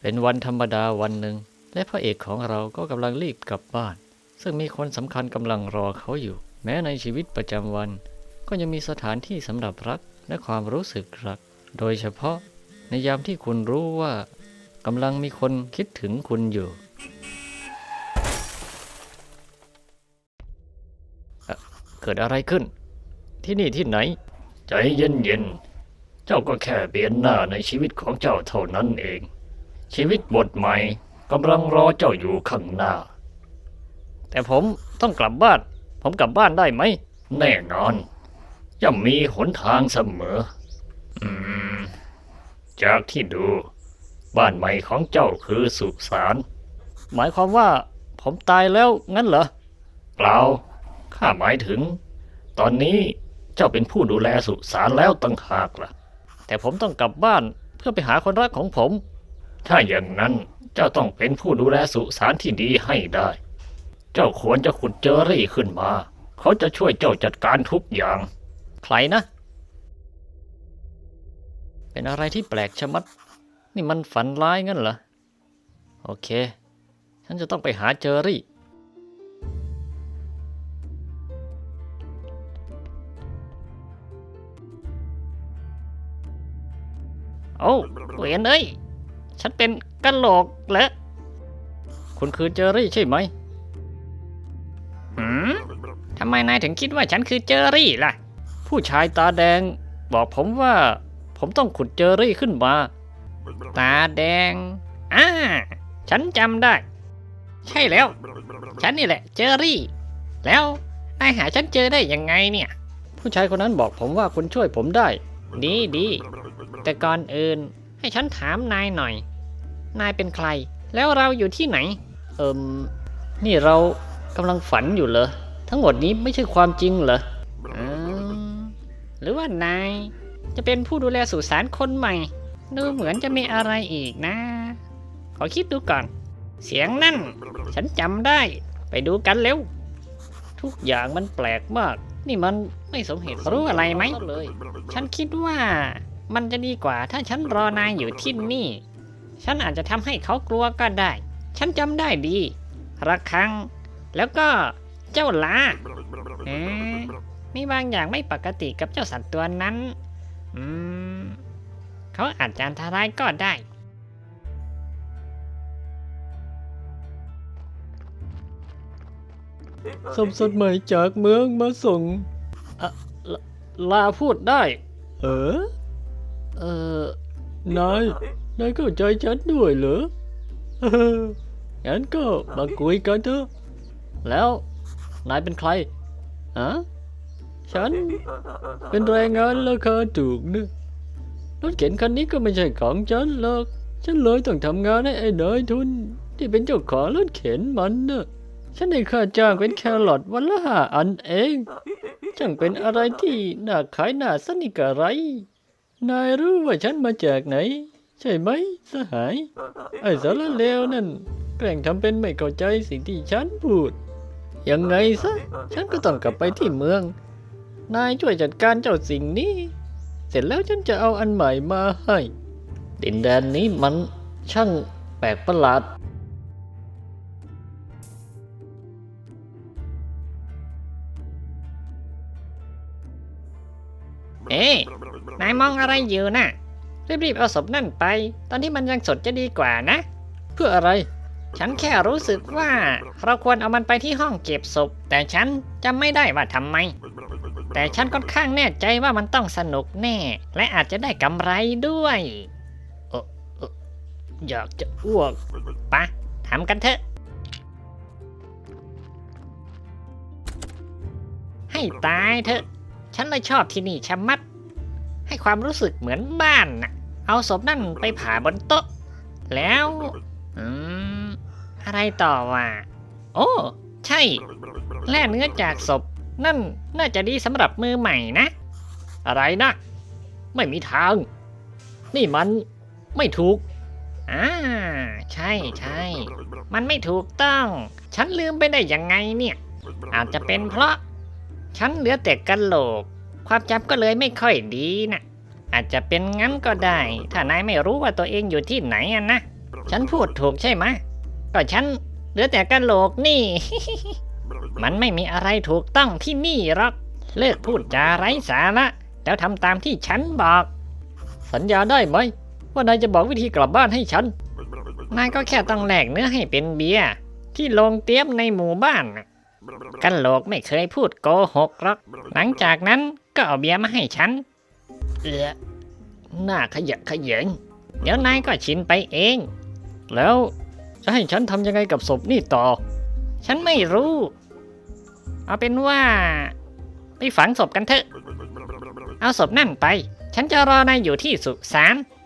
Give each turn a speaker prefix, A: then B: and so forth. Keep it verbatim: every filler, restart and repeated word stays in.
A: เป็นวันธรรมดาวันหนึ่งและพระเอกของเราก็กำลังรีบกลับบ้านซึ่งมีคนสำคัญกำลังรอเขาอยู่แม้ในชีวิตประจำวันก็ยังมีสถานที่สำหรับรักและความรู้สึกรักโดยเฉพาะในยามที่คุณรู้ว่ากำลังมีคนคิดถึงคุณอยู่เอ่อเกิดอะไรขึ้นที่นี่ที่ไหนใจเย็นๆเจ้าก็แค่เปลี่ยนหน้าในชีวิตของเจ้าเท่านั้นเองชีวิตบทใหม่กำลังรอเจ้าอยู่ข้างหน้าแต่ผมต้องกลับบ้านผมกลับบ้านได้ไหมแน่นอนย่อมมีหนทางเสมออืมจากที่ดูบ้านใหม่ของเจ้าคือสุสานหมายความว่าผมตายแล้วงั้นเหรอเปล่าข้าหมายถึงตอนนี้เจ้าเป็นผู้ดูแลสุสานแล้วตั้งหากล่ะแต่ผมต้องกลับบ้านเพื่อไปหาคนรักของผมถ้าอย่างนั้นเจ้าต้องเป็นผู้ดูแลสุสานที่ดีให้ได้เจ้าควรจะขุดเจอรี่ขึ้นมาเขาจะช่วยเจ้าจัดการทุกอย่างใครนะเป็นอะไรที่แปลกชะมัดนี่มันฝันร้ายงั้นเหรอโอเคฉันจะต้องไปหาเจอรี่โอ้เวียนเอ้ยฉันเป็นกะโหลกเหรอคุณคือเจอรี่ใช่ไหมหืมทำไมนายถึงคิดว่าฉันคือเจอรี่ล่ะผู้ชายตาแดงบอกผมว่าผมต้องขุดเจอรี่ขึ้นมาตาแดงอ่าฉันจำได้ใช่แล้วฉันนี่แหละเจอรี่แล้วนายหาฉันเจอได้ยังไงเนี่ยผู้ชายคนนั้นบอกผมว่าคุณช่วยผมได้ดีดีแต่ก่อนอื่นให้ฉันถามนายหน่อยนายเป็นใครแล้วเราอยู่ที่ไหนเอิมนี่เรากำลังฝันอยู่เหรอทั้งหมดนี้ไม่ใช่ความจริงเหรออืมหรือว่านายจะเป็นผู้ดูแลสุสานคนใหม่ดูเหมือนจะมีอะไรอีกนะขอคิดดูก่อนเสียงนั่นฉันจำได้ไปดูกันเร็วทุกอย่างมันแปลกมากนี่มันไม่สมเหตุรู้อะไรไหมฉันคิดว่ามันจะดีกว่าถ้าฉันรอนายอยู่ที่นี่ฉันอาจจะทำให้เขากลัวก็ได้ฉันจำได้ดีระฆังแล้วก็เจ้าลาเอ๊ะมีบางอย่างไม่ปกติกับเจ้าสัตว์ตัวนั้นอืมเขาอาจจะอันตรายก็ได้สมสดใหม่จากเมืองมาส่งอะลลาพูดได้เออเออนายนายเข้าใจฉันด้วยเหรอเอองั้นก็มาคุยกันเถอะแล้วนายเป็นใครฮะฉันเป็นแรงงานราคาถูกนะรถเข็นคันนี้ก็ไม่ใช่ของฉันหรอกฉันเลยต้องทำงานให้ไอ้นายทุนที่เป็นเจ้าของรถเข็นมันนะฉันได้ค่าจ้างเป็นแครอทวันละห้าอันเองช่างเป็นอะไรที่น่าขายน่าสนิทกะไรนายรู้ว่าฉันมาจากไหนใช่ไหมสหายไอ้สารเลวนั่นแกล้งทำเป็นไม่เข้าใจสิ่งที่ฉันพูดยังไงซะฉันก็ต้องกลับไปที่เมืองนายช่วยจัดการเจ้าสิ่งนี้เสร็จแล้วฉันจะเอาอันใหม่มาให้ดินแดนนี้มันช่างแปลกประหลาดเอ๊ะนายมองอะไรอยู่น่ะรีบๆเอาศพนั่นไปตอนที่มันยังสดจะดีกว่านะเพื่ออะไรฉันแค่รู้สึกว่าเราควรเอามันไปที่ห้องเก็บศพแต่ฉันจำไม่ได้ว่าทำไมแต่ฉันค่อนข้างแน่ใจว่ามันต้องสนุกแน่และอาจจะได้กำไรด้วยเออเอออยากจะอ้วกปะทำกันเถอะให้ตายเถอะฉันเลยชอบที่นี่ชะมัดให้ความรู้สึกเหมือนบ้านน่ะเอาศพนั่นไปผ่าบนโต๊ะแล้วอืมอะไรต่อวะโอ้ใช่แล่เนื้อจากศพนั่นน่าจะดีสำหรับมือใหม่นะอะไรนะไม่มีทางนี่มันไม่ถูกอ่าใช่ใช่มันไม่ถูกต้องฉันลืมไปได้ยังไงเนี่ยอาจจะเป็นเพราะฉันเหลือแต่กะโหลกความจำก็เลยไม่ค่อยดีนะอาจจะเป็นงั้นก็ได้ถ้านายไม่รู้ว่าตัวเองอยู่ที่ไหนอะนะฉันพูดถูกใช่ไหมก็ฉันเหลือแต่กะโหลกนี่ มันไม่มีอะไรถูกต้องที่นี่หรอกเลิกพูดจาไร้สาระแล้วทำตามที่ฉันบอก สัญญาได้ไหมว่านายจะบอกวิธีกลับบ้านให้ฉัน นายก็แค่ต้องแลกเนื้อให้เป็นเบียร์ที่โรงเตี้ยมในหมู่บ้านน่ะกะโหลกไม่เคยพูดโกหกหรอกหลังจากนั้นก็เอาเบียร์มาให้ฉัน เอือหน้าขยะแขยงเดี๋ยวนายก็ชินไปเอง แล้วจะให้ฉันทำยังไงกับศพนี่ต่อ ฉันไม่รู้ เอาเป็นว่า ไปฝังศพกันเถอะ เอาศพนั่นไป ฉันจะรอนายอยู่ที่สุสาน